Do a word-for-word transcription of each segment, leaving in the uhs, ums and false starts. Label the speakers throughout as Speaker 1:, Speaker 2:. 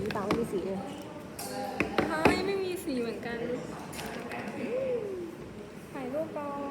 Speaker 1: ตาไม่มีสีเลย
Speaker 2: ใช่ไม่มีสีเหมือนกันถ่ายรูปก่อน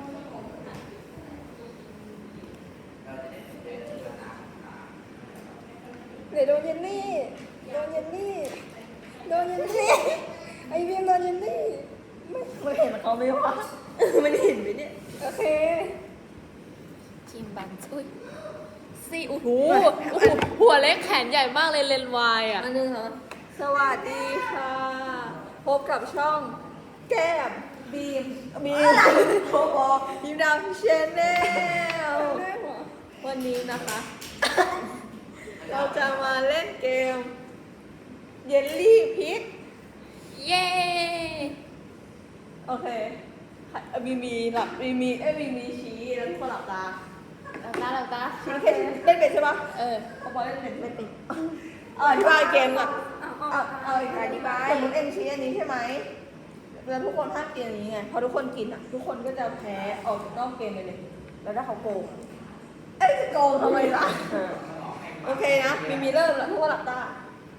Speaker 2: เดี๋ยวโดนเยนนี่โดนเยนนี่โดนเยนนี่ไอเบียมโดนเยนนี่ไม่ไม่เห็นเขาไหมวะไม่ได้เห็นไหมเนี่ยโอเค
Speaker 3: จิมบันอุ้ยสี่โอ้โหโอ้โหหัวเล็กแขนใหญ่มากเลยเลนวายอ่ะ
Speaker 2: อันนึงเหรอสวัสดีค่ะพบกับช่องแก้มบีมบีมโบบอกบีมดาวชแนลวันนี้นะคะ เราจะมาเล่นเกมเยลลี่พิษ
Speaker 3: เย้
Speaker 2: โอเคบีมีหลับบีมีเอ้ยบีมีชี้แล้วทุกคนหลับตา
Speaker 3: เราตาเราตา
Speaker 2: ชี้แค่เล่นเป็นใช่ปะ
Speaker 3: เออ
Speaker 2: พอพอเล่นเป็นไม่เป็นเอาอธิบายเกมก่อนเอาเอาอธิบายสมมติเอ็นชี้อันนี้ใช่ไหมแล้วทุกคนห้ามกินอันนี้ไงพอทุกคนกินอ่ะทุกคนก็จะแพ้ออกจากนอกเกมไปเลยแล้วถ้าเขาโกงเอ้ยจะโกงทำไมล่ะโอเคนะมีมีเริ่มแล้วทุกคนหลับตา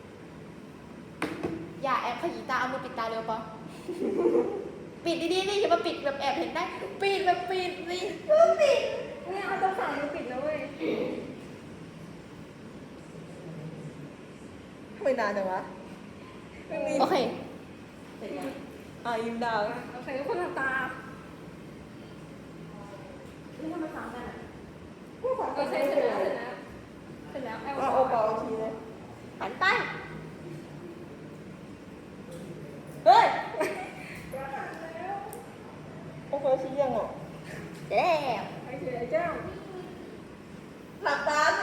Speaker 3: อย่าแอบขยี้ตาเอามือปิดตาเร็วปะปิดดีๆนี่อย่ามาปิดแบบแอบเห็นได้ปิดแบบปิดสิ
Speaker 2: ปิดเนี่ยเอาต้องสั่งมือปิดนะเว้ยทำไมนานจังวะ
Speaker 3: โอเค
Speaker 2: อ่ะยิ้มดาวโอเคทุกคนหลับตา
Speaker 3: นี่ทำไมซ้ำกันอ่ะ
Speaker 2: โอเคเสร็จแล้วเสร็จแล้วเสร็จแล้วเอาโอปอลทีเลย
Speaker 3: หันไป
Speaker 2: เฮ้ยโอเคชี้ยังอ่ะ
Speaker 3: เด้
Speaker 2: ไอ้เจ๊เจ้าหลับตาสิ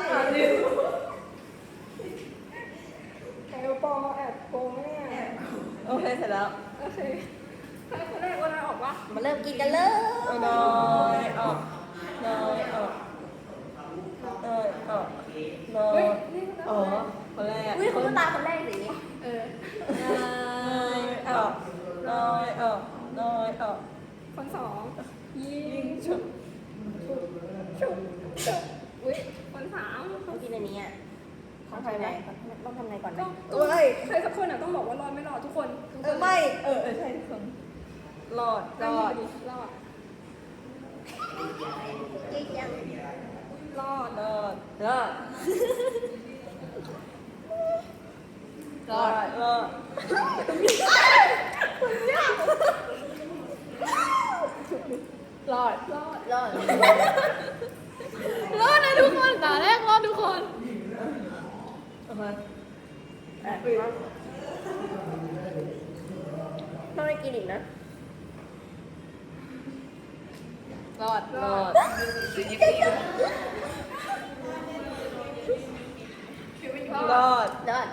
Speaker 2: ไอ้โอปอลแอบโกงเนี่ยโอเคเสร็จแล้วโอเคให้คนแรกคนแรกออกวะ
Speaker 3: มาเริ่มกินกันเลย
Speaker 2: น้อยออกน้อยออกน้อยออกน้อยอ๋อคนแรก
Speaker 3: อุ้ยคุณตาคนแรกสิ
Speaker 2: เออน้อยออกน้อยออกน้อยออกคนสองยิงฉุบฉุบฉุบฉุบอุ้ยคนสาม
Speaker 3: เขากินอันนี้อ่ะต้องทำไงต้องทำไงก่อนไหม
Speaker 2: เอ้ยใครสักคนอ่ะต้องบอกว่ารอดไม่รอดทุกคนเออไม่เออเออใช่ทุกคนรอดรอดรอดรอดรอดรอดรอดรอดรอดรอดรอด
Speaker 3: รอดนะทุกคนตาแรกรอดทุกคน
Speaker 2: โอเคถ้าไม่กินอีกนะรอดรอดรอด
Speaker 3: รอด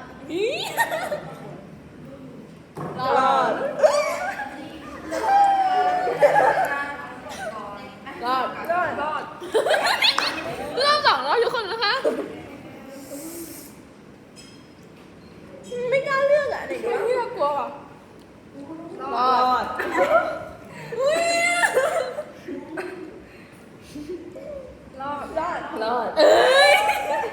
Speaker 2: รอดรอดรอดรอด
Speaker 3: รอบสองรอบทุกคนนะคะ
Speaker 2: ไม่กล้าเลือกอ่ะเด็กไม่เลือกกลัวอ่ะรอดรอดรอดรอด
Speaker 3: เอ้ย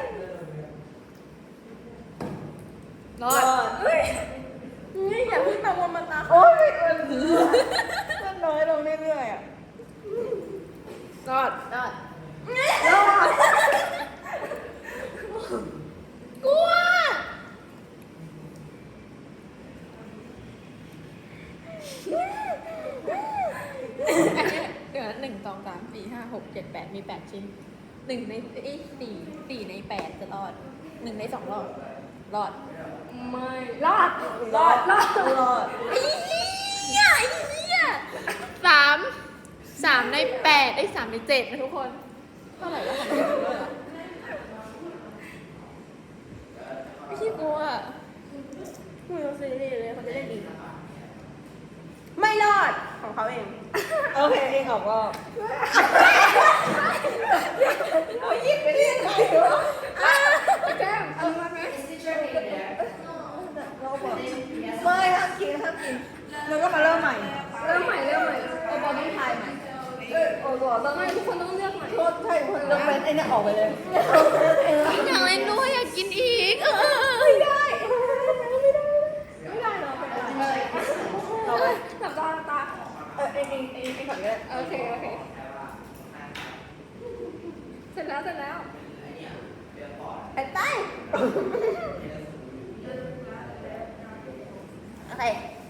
Speaker 2: รอดเฮ้ยนี่อย่าพึ่งตะวันมาตาโอ้ยมันน้อยลงเรื่อยๆอ่ะรอด
Speaker 3: รอด
Speaker 2: รอด
Speaker 3: กลัวเดี๋ยวหนึ่งสองสามสี่ห้าหกเจ็ดแปดมีแปดชิ้นหนึ่งในอีสี่สี่ในแปดจะรอดหนึ่งในสองรอดรอด
Speaker 2: ไม่รอดรอดรอดรอด
Speaker 3: ไอ้เหี้ยไอ้เหี้ยสามสามในแปดไอ้สามในเจ็ดนะทุกคนเท่าไหร่แล้วของพี่ด้วยอ่ะไม่ใช่กลัว
Speaker 2: ไม่รู้สิเลยเขาจะได้ดีไม่รอดของเขาเองโอเคเองออกรอบโอ้ยยิงไปเรื่อยเลยวะแก้มเอามาไหมเราบอกไม่ห้ามกินห้ามกินแล้วก็มาเริ่มใหม่เริ่มใหม่เริ่มใหม่เอาบอลต้องทายใหม่เออโอ้โหต้องไม่ทุกคนต้องเลือกใหม่โทษใช่คนต้องเป็นไอ้นี่ออกไปเลย
Speaker 3: อยากเล่นด้วยอยากกินอีก
Speaker 2: ไม่ได้ไม่ได้
Speaker 3: อะไร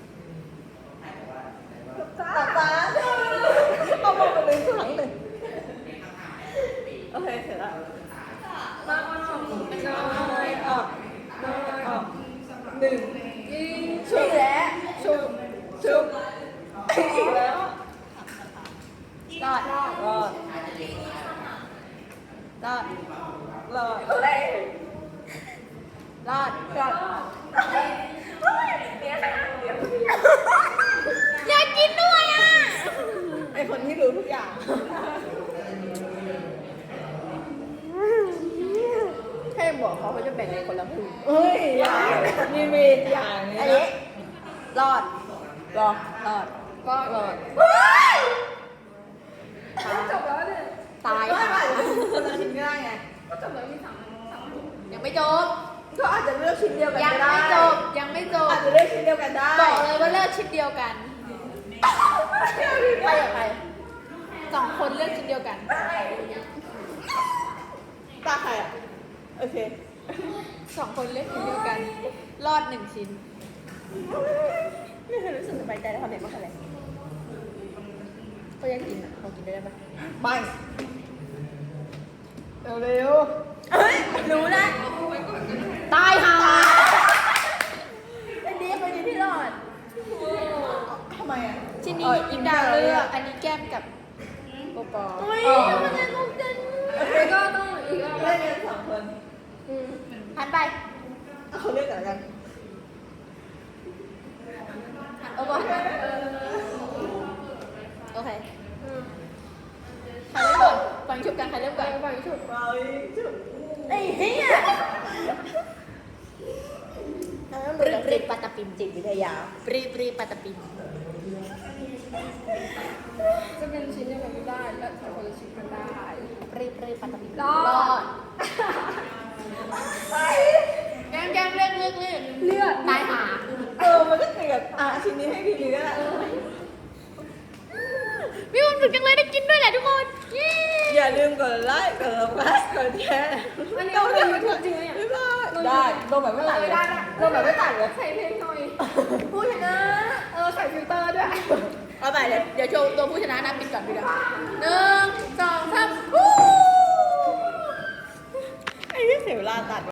Speaker 2: ตาตาเอามองไปเลยข้างหลังเลยโอเคเสร็จแล้ว
Speaker 1: มาออนออกน้อย
Speaker 2: ออก
Speaker 1: น้อย
Speaker 2: ออกหนึ่ง
Speaker 1: ยิง
Speaker 2: ชุบแล้วชุบชุบอีกแล้ว
Speaker 3: รอด
Speaker 2: รอด
Speaker 3: รอด
Speaker 2: รอดอะไร
Speaker 3: รอด
Speaker 2: รอด
Speaker 3: อยากกินด้วยอ่ะ
Speaker 2: ไอคนที่รู้ทุกอย่าง
Speaker 3: แค่บอกเขาเขาจะแบ่งกันคนละครึ่ง
Speaker 2: เฮ้ยอย่างมีมีอย่างนี้
Speaker 3: อัน
Speaker 2: นะ
Speaker 3: นี้รอด
Speaker 2: รอ
Speaker 3: รอด
Speaker 1: ก็
Speaker 2: รอด
Speaker 1: จบแล้วเนี่ย
Speaker 3: ตาย
Speaker 2: ไม่
Speaker 3: ค่ะ
Speaker 2: ไม่คนละชิ้นก็ได้ไง
Speaker 1: ก็จบแล้วมีสามสาม
Speaker 3: ยังไม่จบ
Speaker 2: ก็อาจจะเลือกชิ้นเดียวกัน
Speaker 3: ยัง
Speaker 2: ก็ได้
Speaker 3: ไม่จบ ยังไม่จบ
Speaker 2: อาจจะเลือกชิ้นเดียวกันได้
Speaker 3: บอกเลยว่าเลือกชิ้นเดียวกัน ไปกับใครสองคนเลือกชิ้นเดียวกัน
Speaker 2: ตาใครอ่ะโอเค
Speaker 3: สองคนเลือกชิ้นเดียวกัน รอดหนึ่งชิ้น
Speaker 2: ไม่เคยรู้สึกสบายใจในความเด็กมากเลย
Speaker 3: ก็ยังกินอ่ะเขากินได้ไหม
Speaker 2: ไม่เร็วๆเฮ้ยรู้นะ
Speaker 3: ตายห่าอันนี้เป็นที่รอด
Speaker 2: ทำไมอ่ะ
Speaker 3: ชิ้นนี้อิมดาวเลือก อันนี้แก้มกับโปปอ
Speaker 1: อุ้ย
Speaker 3: อ๋อ
Speaker 1: มันจะต้องเจนโอเคก็ต้องอีกรอบ
Speaker 2: เล่นกันสองคน
Speaker 3: หันไป
Speaker 2: เขาเลือกกันกัน
Speaker 3: เอาบอลโอเคใครเริ่มก่อนฟังชุบกันใครเริ่มก่อน
Speaker 1: ไปฉุด
Speaker 2: ไปจุด
Speaker 3: ไอ้เหี้ยปรีปรีปัตตปิมจิตวิทยาปรีปรีปัตตปิม
Speaker 1: จะเป็นชิ้นเดียวกันไม่ได้และสองคนละชิ้นกันได้
Speaker 3: ปรีปรีปัตตปิม
Speaker 1: รอด
Speaker 3: แก้มแก้มเลือกเลือกเลือก
Speaker 1: เลือด
Speaker 3: ตายหา
Speaker 2: เออมันก็เกลียดอ่ะชิ้นนี้ให้พี่ลีก็ได้
Speaker 3: มีความสุขจังเลยได้กินด้วยแหละทุกคนเย้
Speaker 2: อย่าลืมกดไลค์กดไลค์กดแชร์
Speaker 1: อันนี้เราเป็นยูทูบจริงไหมเนี่ย
Speaker 2: บ๊ายบายได้ลงแบบไม่ตัดเลย
Speaker 1: ได้ได้
Speaker 2: ลงแบบไม่ตัดเลย
Speaker 1: ใส่เพลงหน่อยพูดชนะเออใส่ฟิลเตอร์ด้วย
Speaker 3: เอาไปเดี๋ยวเดี๋ยวโชว์ตัวผู้ชนะนะปิดก่อนปิดก่อนหนึ่งสองสาม
Speaker 2: ไอ้ที่เสียเวลาตัด